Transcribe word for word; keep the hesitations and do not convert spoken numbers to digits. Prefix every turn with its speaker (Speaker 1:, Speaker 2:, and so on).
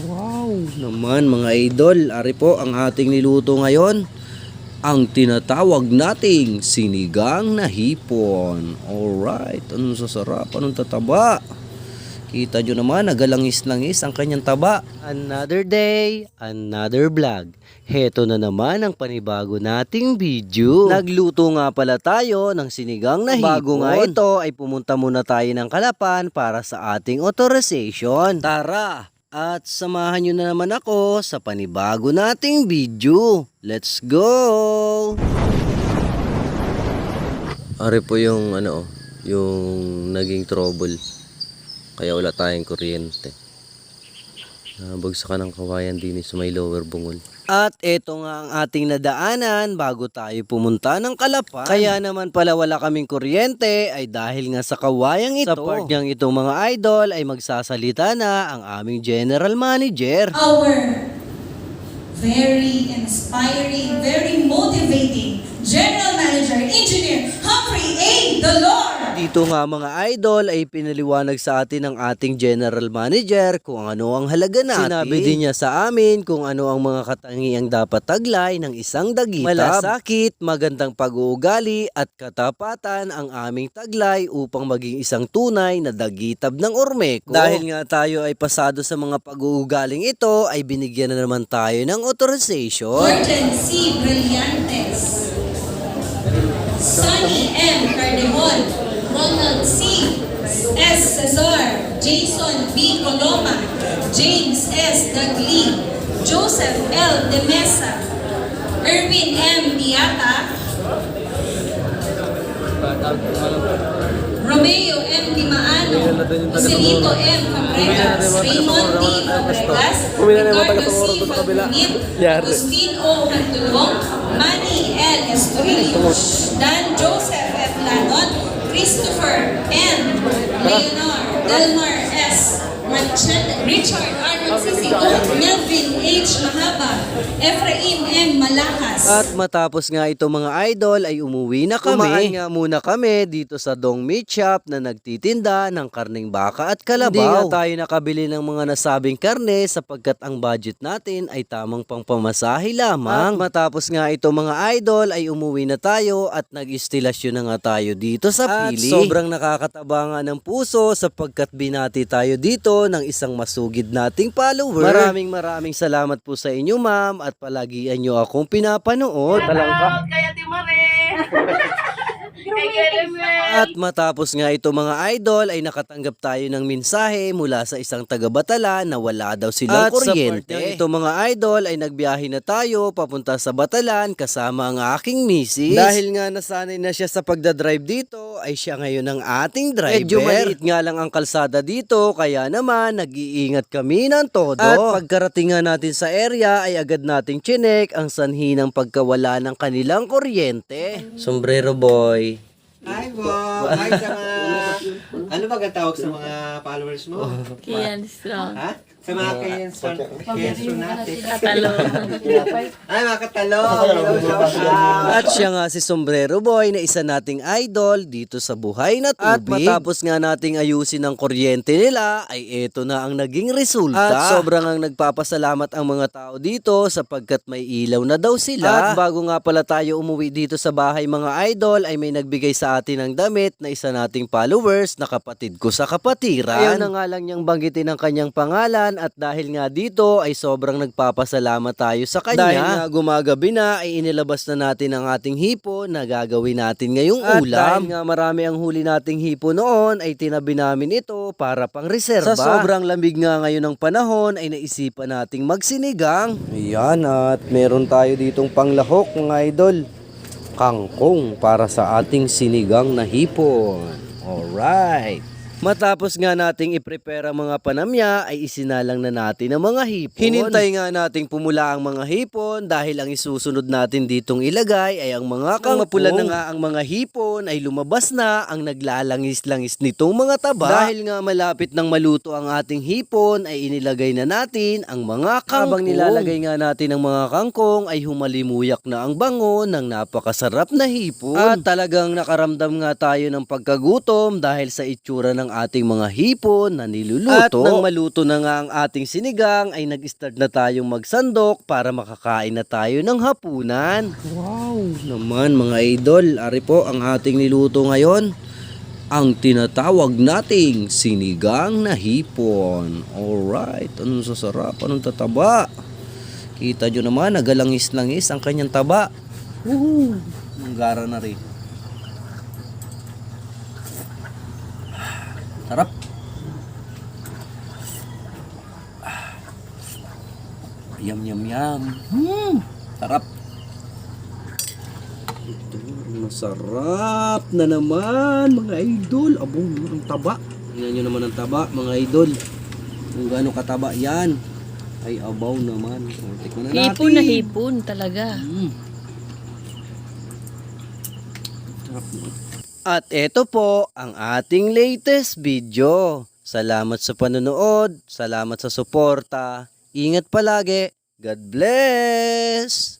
Speaker 1: Wow naman mga idol, ari po ang ating niluto ngayon. Ang tinatawag nating sinigang na hipon. Alright, anong sasarap, anong tataba. Kita nyo naman, nagalangis-langis ang kanyang taba. Another day, another vlog. Heto na naman ang panibago nating video. Nagluto nga pala tayo ng sinigang na hipon. Bago nga ito ay pumunta muna tayo ng Kalapan para sa ating authorization. Tara! At samahan nyo na naman ako sa panibago nating video. Let's go! Ari po yung ano, yung naging trouble. Kaya wala tayong kuryente. Nabagsakan ng kawayan din sa may lower bungol. At eto nga ang ating nadaanan bago tayo pumunta ng Kalapan. Kaya naman pala wala kaming kuryente ay dahil nga sa kawayang ito. Sa part niyang itong mga idol ay magsasalita na ang aming general manager.
Speaker 2: Our very inspiring, very motivating General Manager, Engineer Humphrey A. The Lord.
Speaker 1: Dito nga mga idol ay pinaliwanag sa atin ng ating general manager kung ano ang halaga natin. Sinabi din niya sa amin kung ano ang mga katangiang dapat taglay ng isang dagitab. Malasakit, magandang pag-uugali at katapatan ang aming taglay upang maging isang tunay na dagitab ng Ormeco. Dahil nga tayo ay pasado sa mga pag-uugaling ito ay binigyan na naman tayo ng authorization.
Speaker 2: Gordon C. Brillantes, Sonny M. Cardemon, Ronald C. S. Cesar, Jason B. Coloma, James S. Dagli, Joseph L. De Mesa, Erwin M. Diata, Romeo M. Dimaano, Joselito M. Fabregas, Raymond D. Fabregas, Ricardo C. Falconit, Agustin O. Hantulong, Manny L. Estrillo, Dan Joseph F. Lanon, Christopher N. Leonor, Delmar S. Manchad, Richard R. Magsisigo, Melvin H. Mahaba, Efraim M. Malakas.
Speaker 1: At matapos nga ito mga idol ay umuwi na kami. Kumaan nga muna kami dito sa Dong Meat Shop na nagtitinda ng karneng baka at kalabaw. Hindi nga tayo nakabili ng mga nasabing karne sapagkat ang budget natin ay tamang pangpamasahe lamang. At matapos nga ito mga idol ay umuwi na tayo at nag-istilasyon na nga tayo dito sa pili. At sobrang nakakataba nga ng puso sapagkat binati tayo dito ng isang masugid nating follower. Maraming maraming salamat po sa inyo ma'am at palagian nyo akong pinapanood.
Speaker 3: Shoutout kay Ate Mare! Kay Kelemen!
Speaker 1: At matapos nga ito mga idol ay nakatanggap tayo ng mensahe mula sa isang taga-Batala na wala daw silang
Speaker 3: At
Speaker 1: kuryente.
Speaker 3: sa part
Speaker 1: Ito mga idol ay nagbiyahe na tayo papunta sa Batalan kasama ang aking misis. Dahil nga nasanay na siya sa pagdadrive dito ay siya ngayon ang ating driver. Medyo maliit nga lang ang kalsada dito kaya naman nag-iingat kami ng todo. At pagkarating nga natin sa area ay agad nating chinek ang sanhi ng pagkawala ng kanilang kuryente. Sombrero boy.
Speaker 4: Hi, Bo! Hi sa mga... Ano ba ang tawag sa mga followers mo?
Speaker 3: Kian Strong.
Speaker 4: Ha? Sa mga Kenson natin.
Speaker 3: Katalo.
Speaker 4: Ay, mga katalo! Hello, shout out!
Speaker 1: At siya nga si Sombrero Boy na isa nating idol dito sa buhay na tubig. At matapos nga nating ayusin ang kuryente nila ay eto na ang naging resulta. At sobrang ang nagpapasalamat ang mga tao dito sapagkat may ilaw na daw sila. At bago nga pala tayo umuwi dito sa bahay mga idol ay may nagbigay sa atin ng damit na isa nating followers na kapatid ko sa kapatiran. Ayaw na nga lang niyang banggitin ang kanyang pangalan at dahil nga dito ay sobrang nagpapasalamat tayo sa kanya. Dahil nga gumagabi na ay inilabas na natin ang ating hipo na gagawin natin ngayong at ulam. At dahil nga marami ang huli nating hipo noon ay tinabi namin ito para pang reserba. Sa sobrang lamig nga ngayon ng panahon ay naisipan nating magsinigang. Ayan at meron tayo ditong panglahok mga idol. Kangkong para sa ating sinigang na hipon. Alright. Matapos nga nating i-prepare ang mga panamya ay isinalang na natin ang mga hipon. Hinintay nga nating pumula ang mga hipon dahil ang isusunod natin ditong ilagay ay ang mga kangkong. Mapula na nga ang mga hipon ay lumabas na ang naglalangis-langis nitong mga taba. Dahil nga malapit nang maluto ang ating hipon ay inilagay na natin ang mga kangkong. Habang nilalagay nga natin ang mga kangkong ay humalimuyak na ang bango ng napakasarap na hipon. At talagang nakaramdam nga tayo ng pagkagutom dahil sa itsura ng ang ating mga hipon na niluluto. At nang maluto na nga ang ating sinigang ay nag-start na tayong magsandok para makakain na tayo ng hapunan. Wow naman mga idol, ari po ang ating niluto ngayon. Ang tinatawag nating sinigang na hipon. Alright, anong sasarap, anong tataba. Kita nyo naman, nagalangis-langis ang kanyang taba. Woohoo! Manggara na rin. Sarap. Yum, yum, yum. Hmm, sarap. Ito, masarap na naman, mga idol. Abong, ang taba. Tingnan nyo naman ang taba, mga idol. Kung gaano kataba yan. Ay, abaw naman. Tikman na natin.
Speaker 3: Hipon na hipon talaga.
Speaker 1: Mm. Sarap naman. At ito po ang ating latest video. Salamat sa panonood. Salamat sa suporta. Ingat palagi. God bless!